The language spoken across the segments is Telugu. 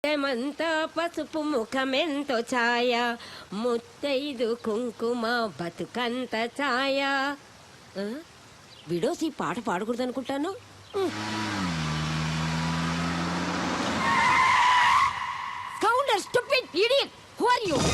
మంతా పసుపు ముఖమెంతో ఛాయ ముత్తైదు కుంకుమ బతుకంత ఛాయ. విడోసి పాట పాడకూడదు అనుకుంటాను. Counter stupid idiot, who are you?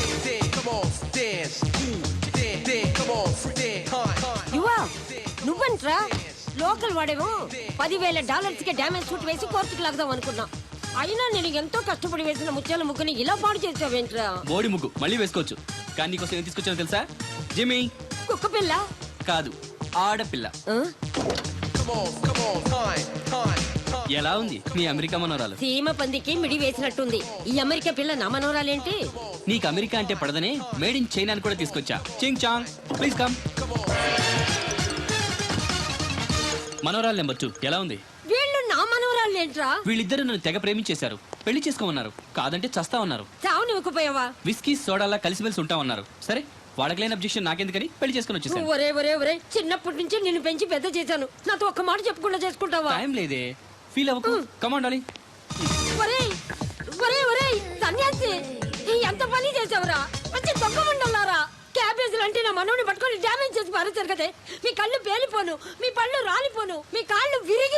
Yuva నువ్వంట్రా? లోకల్ వాడేమో $10,000 కి డ్యామేజ్ సూట్ వేసి కోర్టుకు లాగదాం అనుకున్నా. అయినా నేను ఎంతో కష్టపడి వేసిన ముత్యాల ముగ్గుని ఇలా పాడు చేసావేంట్రా? బోడి ముగ్గు మళ్ళీ వేసుకోవచ్చు, కానీ నీకోసం ఏం తీసుకొచ్చానో తెలుసా? జిమ్మీ. కుక్క పిల్ల కాదు, ఆడపిల్ల. ఎలా ఉంది నీ అమెరికా మనోరాలు? సీమ పందికి మిడి వేసినట్టుంది. ఈ అమెరికా పిల్ల నా మనోరాలేంటి? నీకు అమెరికా అంటే పడదనే మేడ్ ఇన్ చైనా కూడా తీసుకొచ్చా. Ching chang, please come. మనోరాలు నెంబర్ 2 ఎలా ఉంది? వీళ్ళు నా మనోరాలేంట్రా? వీళ్ళిద్దరు నన్ను తెగ ప్రేమించేశారు. పెళ్లి చేసుకోమన్నారు, కాదంటే చస్తా ఉన్నారు. చావు నివ్వకపోయావా? విస్కీ సోడాలా కలిసిమెలిసి ఉంటామన్నారు. సరే, వాళ్ళకి లేని అబ్జెక్షన్ నాకెందుకని పెళ్లి చేసుకుని వచ్చేసాను. ఒరే ఒరే ఒరే, చిన్నప్పటి నుంచి నిన్ను పెంచి పెద్ద చేశాను. నాతో ఒక్క మాట చెప్పకుండా చేసుకుంటావా? టైం లేదే, ఫీల్ అవ్వకు. Come on darling. ఒరే ఒరే ఒరే సన్యాసి, ఎంత పని చేసావురా? మంచి దొంగ మండలారా. క్యాబేజీలు అంటే నా మనోని పట్టుకొని డ్యామేజ్ చేసి పారేశారు కదే. మీ కళ్ళు పేలిపోను, మీ పళ్ళు రాలిపోను, మీ కాళ్ళు విరిగి.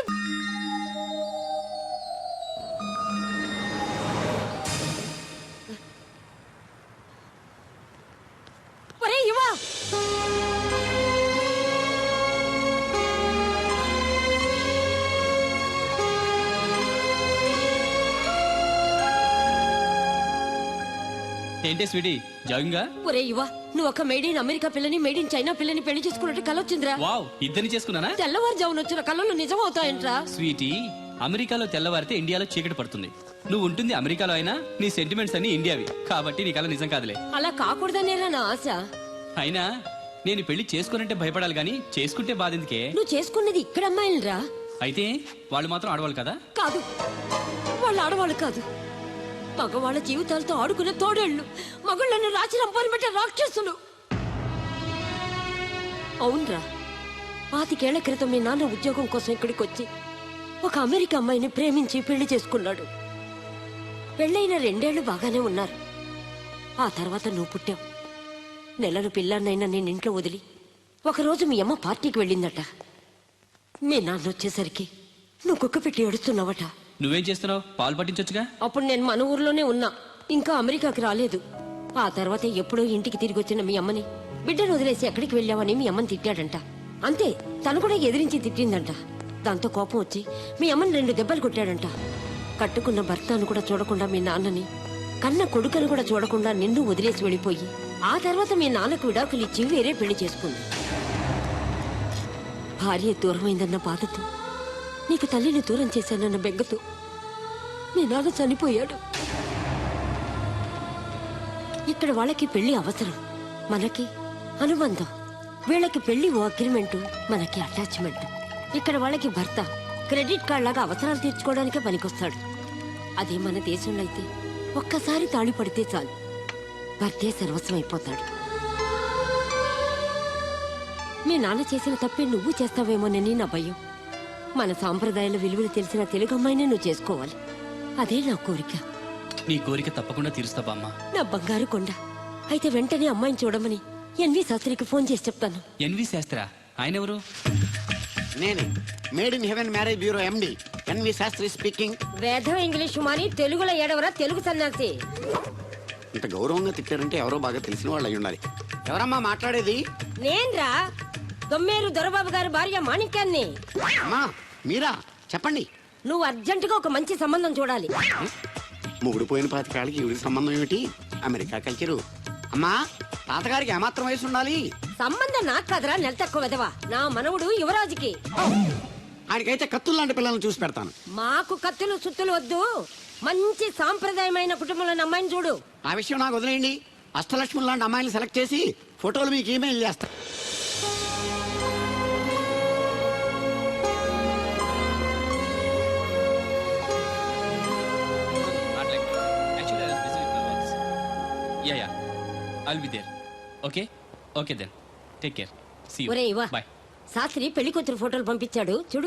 ఒరే యువా, ఏంటే స్వీటీ, జాగింగా? ఒరే యువా, నువ్వు ఒక మేడ్ ఇన్ అమెరికా పిల్లని మేడ్ ఇన్ చైనా పిల్లని పెళ్లి చేసుకున్నట్టు కలొచ్చిందిరా. వావ్, ఇద్దరిని చేసుకున్నానా? తెల్లవారుజామున వచ్చిన కళ్ళు నిజం అవుతాయంట్రా. స్వీటీ, అమెరికాలో తెల్లవారితే ఇండియాలో చీకటి పడుతుంది. నువ్వు ఉంటుంది అమెరికాలో అయినా నీ సెంటిమెంట్స్ అన్ని ఇండియావి కాబట్టి నీ కల నిజం కాదులే. అలా కాకూడదనేరా నా ఆశ. అయినా నేను పెళ్లి చేసుకున్నట్టే భయపడాలి గానీ చేసుకుంటే బాధ ఎందుకే? నువ్వు చేసుకున్నది ఇక్కడ అమ్మాయిలరా. అయితే వాళ్ళు మాత్రం ఆడవాళ్ళు కదా? కాదు, వాళ్ళు ఆడవాళ్ళు కాదు. మగవాళ్ళ జీవితాలతో ఆడుకునే తోడేళ్లు, మగుళ్ళను రాచి రంపాన్ని పెట్టే రాక్షసులు. అవునరా, 25 ఏళ్ల క్రితం మీ నాన్న ఉద్యోగం కోసం ఇక్కడికి వచ్చి ఒక అమెరికా అమ్మాయిని ప్రేమించి పెళ్లి చేసుకున్నాడు. పెళ్ళైన 2 ఏళ్లు బాగానే ఉన్నారు. ఆ తర్వాత నువ్వు పుట్టావు. నెలను పిల్లాన్నైనా నేను ఇంట్లో వదిలి ఒకరోజు మీ అమ్మ పార్టీకి వెళ్ళిందట. మీ నాన్న వచ్చేసరికి నువ్వు కుక్క పెట్టి ఏడుస్తున్నావట. నువ్వేం చేస్తున్నావు? పాలు పట్టించొచ్చుగా. అప్పుడు నేను మన ఊర్లోనే ఉన్నా, ఇంకా అమెరికాకి రాలేదు. ఆ తర్వాత ఎప్పుడో ఇంటికి తిరిగి వచ్చిన మీ అమ్మని బిడ్డను వదిలేసి ఎక్కడికి వెళ్ళావని మీ అమ్మని తిట్టాడంట. అంతే, తను కూడా ఎదిరించి తిట్టిందంట. దాంతో కోపం వచ్చి మీ అమ్మని 2 దెబ్బలు కొట్టాడంట. కట్టుకున్న భర్తను కూడా చూడకుండా మీ నాన్నని, కన్న కొడుకును కూడా చూడకుండా నిన్ను వదిలేసి వెళ్ళిపోయి ఆ తర్వాత మీ నాన్నకు విడాకులు ఇచ్చి వేరే పెళ్లి చేసుకుంది. భార్య దూరమైందన్న బాధతో, నీకు తల్లిని దూరం చేశానన్న బెంగతో మీ నాన్న చనిపోయాడు. ఇక్కడ వాళ్ళకి పెళ్లి అవసరం, మనకి అనుబంధం. వీళ్ళకి పెళ్లి ఓ అగ్రిమెంటు, మనకి అటాచ్మెంట్. ఇక్కడ వాళ్ళకి భర్త క్రెడిట్ కార్డ్ లాగా అవసరాలు తీర్చుకోవడానికే పనికొస్తాడు. అదే మన దేశంలో అయితే ఒక్కసారి తాళి పడితే చాలు, భర్తే సర్వస్వం అయిపోతాడు. మీ నాన్న చేసిన తప్పే నువ్వు చేస్తావేమోనని నా భయం. మన సాంప్రదాయాల విలువలు తెలిసిన తెలుగు అమ్మాయినే నువ్వు చేసుకోవాలి. అదే నా కోరిక. నీ కోరిక తప్పకుండా తీరుస్తా బామ్మ. నా బంగారు కొండ. అయితే వెంటనే అమ్మాయిని చూడమని ఎన్వి శాస్త్రికి ఫోన్ చేసి చెప్తాను. ఎన్వి శాస్త్రా? ఆయన ఎవరు? నేనే, made in heaven marriage bureau MD NV Shastri speaking. వేదం ఇంగ్లీషు మాని తెలుగులో ఏడవరా తెలుగు సన్నాసి. ఇంత గౌరవంగా తిట్టారంటే ఎవరో బాగా తెలిసిన వాళ్ళు అయి ఉండాలి. ఎవరమ్మా మాట్లాడేది? నేన్రా, దొమ్మేరు దొరబాబు గారి భార్య మాణిక్యాన్ని. అమ్మా మీరా? చెప్పండి. నువ్వు అర్జెంటుగా ఒక మంచి సంబంధం చూడాలి. ముగుడు పోయిన 25 ఏళ్ళకి ఈవిడికి సంబంధం ఏమిటి? America culture. అమ్మా, తాతగారికి ఏమాత్రం వయసు ఉండాలి? సంబంధం నాకు కదరా, నెల తక్కువ వెదవా. నా మనవుడు యువరాజుకి. ఆయనకైతే కత్తులు లాంటి పిల్లల్ని చూసి పెడతాను. మాకు కత్తులు సుత్తులు వద్దు, మంచి సాంప్రదాయమైన కుటుంబంలో అమ్మాయిని చూడు. ఆ విషయం నాకు వదిలేయండి. అష్టలక్ష్మి లాంటి అమ్మాయిని సెలెక్ట్ చేసి ఫోటోలు మీకు ఈమెయిల్ చేస్తా. Yeah, I'll be there. Okay? Okay then. Take care. See you. ఒరే ఇవా, Bye. శాస్త్రి పెళ్లి కూతురు ఫోటోలు పంపించాడు చూడు.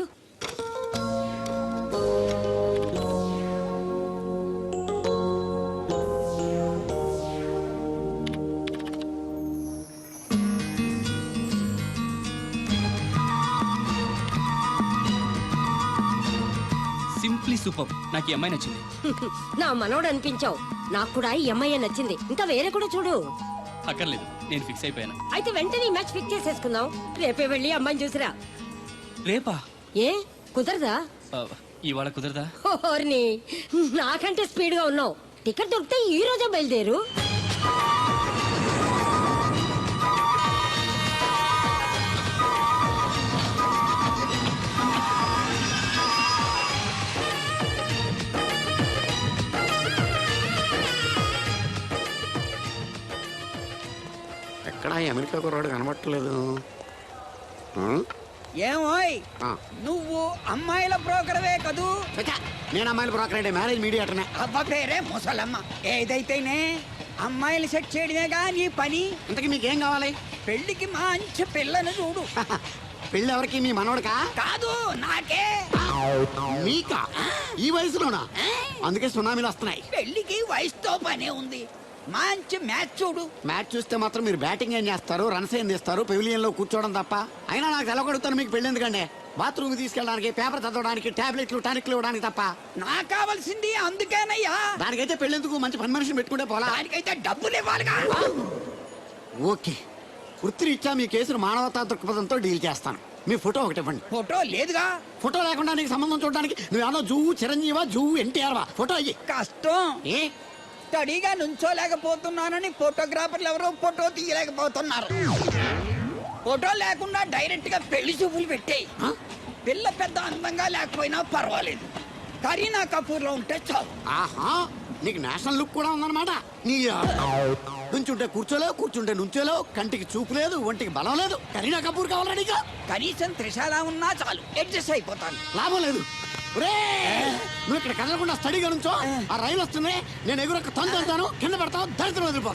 సూపర్. నాకు ఈ అమ్మాయి నచ్చింది. నా మనోడు అనిపించావు. నాకు కూడా ఈ అమ్మాయి నచ్చింది. ఇంకా వేరే కూడా చూడు. అక్కర్లేదు, నేను ఫిక్స్ అయిపోయాను. అయితే వెంటనే ఈ మ్యాచ్ ఫిక్స్ చేసేసుకుందాం. రేపే వెళ్ళి అమ్మాయిని చూసిరా. రేపా? ఏ కుదరదా? ఆ, ఇవాళ కుదరదా? ఓర్ని, నాకంటే స్పీడ్ గా ఉన్నావు. టికెట్ దొరికితే ఈ రోజే బయలుదేరు. ఎక్కడా ఈ అమెరికా కుర్రాడు కనబట్టలేదు. ఏమోయ్ ఆ. నువ్వు అమ్మాయిల బ్రోకర్వే కదూ? చచ్చా, నేను అమ్మాయిలు బ్రోకర్ అంటే మ్యారేజ్ మీడియాటర్నే. అబ్బ పేరే ముసలమ్మ. ఏదైతేనే అమ్మాయిలు సెట్ చేయడమేగా నీ పని. ఇంతకీ మీకేం కావాలి? పెళ్లికి మంచి పిల్లను చూడు. పెళ్ళి ఎవరికి? మీ మనోడకా? కాదు, నాకే. మీకా? ఈ వయసులోనా? అందుకే సునామీలు వస్తున్నాయి. పెళ్లికి వయసుతో పనే ఉంది. మంచి మ్యాచ్ చూడు. మ్యాచ్ చూస్తే మాత్రం మీరు బ్యాటింగ్ ఏం చేస్తారు, రన్స్ ఏం తీస్తారు, పెవిలియన్ లో కూర్చోవడం తప్ప. అయినా నాకు తెలగొడుతాను మీకు పెళ్ళి ఎందుకండి? బాత్రూమ్ తీసుకెళ్ళడానికి, పేపర్ చదవడానికి, టాబ్లెట్లు టానిక్లు ఇవ్వడానికి తప్ప. నాకు కావాల్సింది అందుకేనయ్యా. దానికైతే పెళ్ళెందుకు? మంచి పని మనిషిని పెట్టుకుంటే పోలా. దానికైతే డబ్బులు ఇవ్వాలిగా. ఓకే, వృత్తిరీత్యా మీ కేసును మానవతా దృక్పథంతో డీల్ చేస్తాను. మీ ఫోటో ఒకటి ఇవ్వండి. ఫోటో లేదుగా. ఫోటో లేకుండా నీకు సంబంధం చూడడానికి నువ్వేమో జువ్వు చిరంజీవా, జువ్వు ఎన్టీఆర్వా? ఫోటో అయ్యి. కష్టం. ఏ స్టడీగా నుంచోలేకపోతున్నానని ఫోటోగ్రాఫర్లు ఎవరో ఫోటో తీయలేకపోతున్నారు. ఫోటో లేకుండా డైరెక్ట్ గా పెళ్లి చూపులు పెట్టేయి. ఆ? పిల్ల పెద్ద అందంగా లేకపోయినా పర్వాలేదు, కరీనా కపూర్ లో ఉంటే చాలు. ఆహా, నీకు నేషనల్ లుక్ కూడా ఉందన్నమాట. నీ నుంచుంటే కూర్చోలేవు, కూర్చుంటే నుంచోలేవు, కంటికి చూపు లేదు, ఒంటికి బలం లేదు. కరీనా కపూర్ కావాలా నీకు? కనీసం త్రిశాల ఉన్నా చాలు, అడ్జస్ట్ అయిపోతాను. లాభం లేదు. నువ్వు ఇక్కడ కదలకుండా స్టడీగా నుంచో. ఆ రైలు వస్తుంది, నేను ఎగురొక్క తొందరతాను, కింద పడతావు, దరిద్రం వదిలిపో.